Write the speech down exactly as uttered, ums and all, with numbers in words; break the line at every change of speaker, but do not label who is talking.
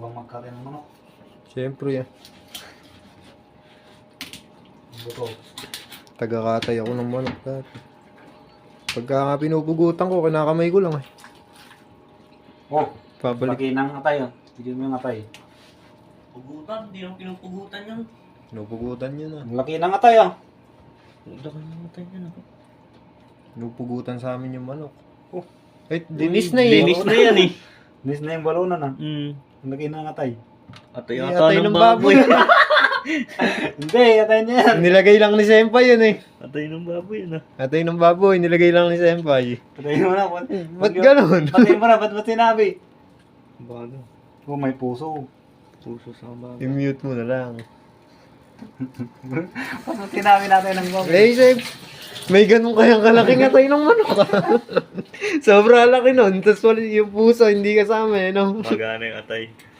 bang magkari ng manok?
Siyempre yan.
Buto.
Tagakatay ako ng manok dati. Pagka nga pinupugutan ko, kinakamay ko lang eh.
Oh,
Pabalik.
laki ng atay oh. Bigyan mo yung atay.
Pugutan, di naman pinupugutan yan.
Pinupugutan yun ah.
Ang laki ng atay oh.
Laki ng atay yan ako.
Pinupugutan sa amin yung manok.
Oh.
Eh, dinis na eh.
Dinis na yan eh.
Nis na yung balunan ah.
Mm.
Ang laki ng atay.
Atay
Eh,
ata
atay
ng
ng
baboy.
Hindi, atay niya yan.
Nilagay lang ni Senpai yun eh.
Atay ng baboy yan ah.
Atay ng baboy, nilagay lang ni Senpai.
Patay mo na. Ba't,
Ba't ganun?
Patay mo na, ba't ba't sinabi?
Bago.
Oh, may puso.
Puso sa baboy.
I-mute mo na lang.
Ba't sinabi natin ng baboy?
Eh, Sep, may ganun kayang kalaking atay ng manok ah. Sobra laki nun. Tapos wala yung puso, hindi kasama eh, no?
Magana yung atay.